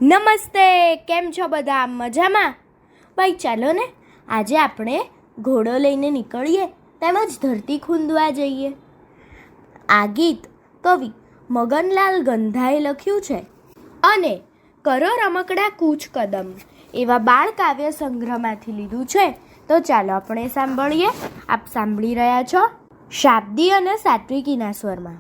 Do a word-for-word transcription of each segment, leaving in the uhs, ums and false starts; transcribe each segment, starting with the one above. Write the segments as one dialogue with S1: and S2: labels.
S1: નમસ્તે, કેમ છો બધા? મજામાં? ભાઈ ચાલો ને આજે આપણે ઘોડો લઈને નીકળીએ તેમજ ધરતી ખૂંદવા જઈએ. આ ગીત કવિ મગનલાલ ગંધાએ લખ્યું છે અને કરો રમકડા કૂચ કદમ એવા બાળ કાવ્ય સંગ્રહમાંથી લીધું છે. તો ચાલો આપણે સાંભળીએ. આપ સાંભળી રહ્યા છો શાબ્દી અને સાત્વિકીના સ્વરમાં.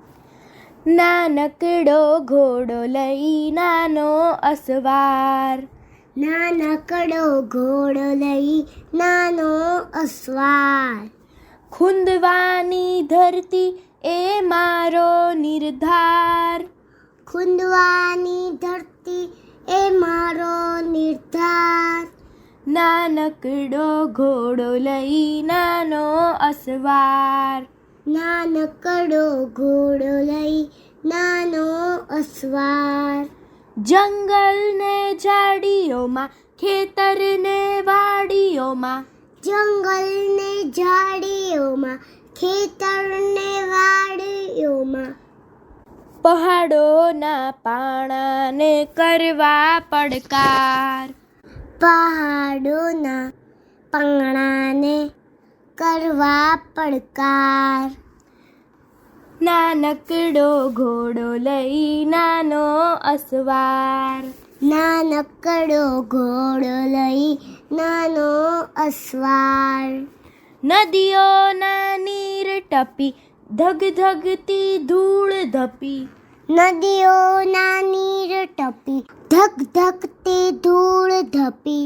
S1: નાનકડો ઘોડો લઈ નાનો અસવાર,
S2: નાનકડો ઘોડો લઈ નાનો અસવાર,
S1: ખૂંદવાની ધરતી એ મારો નિર્ધાર,
S2: ખૂંદવાની ધરતી એ મારો નિર્ધાર,
S1: નાનકડો ઘોડો લઈ નાનો અસવાર,
S2: નાનકડો ઘોડો લઈ નાનો અસવાર,
S1: જંગલ ને ઝાડીઓમાં ખેતરને વાડીઓમાં,
S2: જંગલ ને ઝાડીઓમાં ખેતરને વાડીઓમાં,
S1: પહાડોના પાણાને કરવા પડકાર,
S2: પહાડોના પાંગણાને કરવા પડકાર,
S1: નાનકડો ઘોડો લઈ નાનો અસવાર,
S2: નાનકડો ઘોડો લઈ નાનો અસવાર,
S1: નદીઓના નીર ટપી ધગ ધગતી ધૂળ ધપી,
S2: નદીઓના નીર ટપી ધક ધકતી ધૂળ ધપી,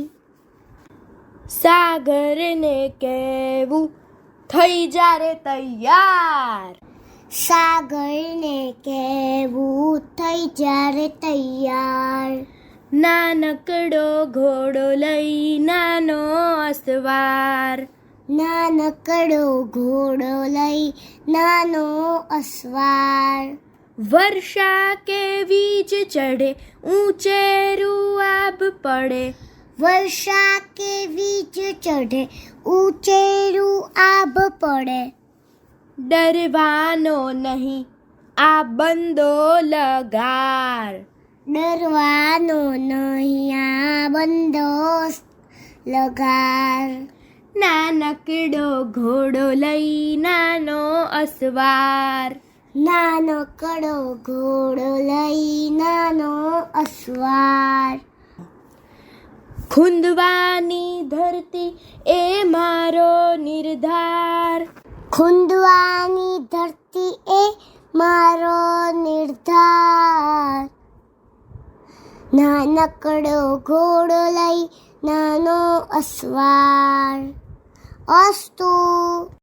S1: સાગરને કહેવું થઈ જારે તૈયાર,
S2: સાગરને કહેવું થઈ જ્યારે તૈયાર,
S1: નાનકડો ઘોડો લઈ નાનો અસવાર,
S2: નાનકડો ઘોડો લઈ નાનો અસવાર,
S1: વર્ષા કે વીજ ચઢે ઊંચેરું આબ પડે,
S2: વર્ષા કે વીજ ચઢે ઊંચેરું આભ પડે,
S1: ડરવાનો નહીં આ બંદો લગાર,
S2: ડરવાનો નહીં આ બંદો લગાર,
S1: નાનકડો ઘોડો લઈ નાનો અસવાર,
S2: નાનકડો ઘોડો લઈ નાનો અસવાર,
S1: ખૂંદવાની ધરતી એ મારો નિર્ધાર,
S2: ખૂંદવાની ધરતી એ મારો નિર્ધાર, નાનકડો ઘોડો લઈ નાનો અસવાર. અસ્તુ.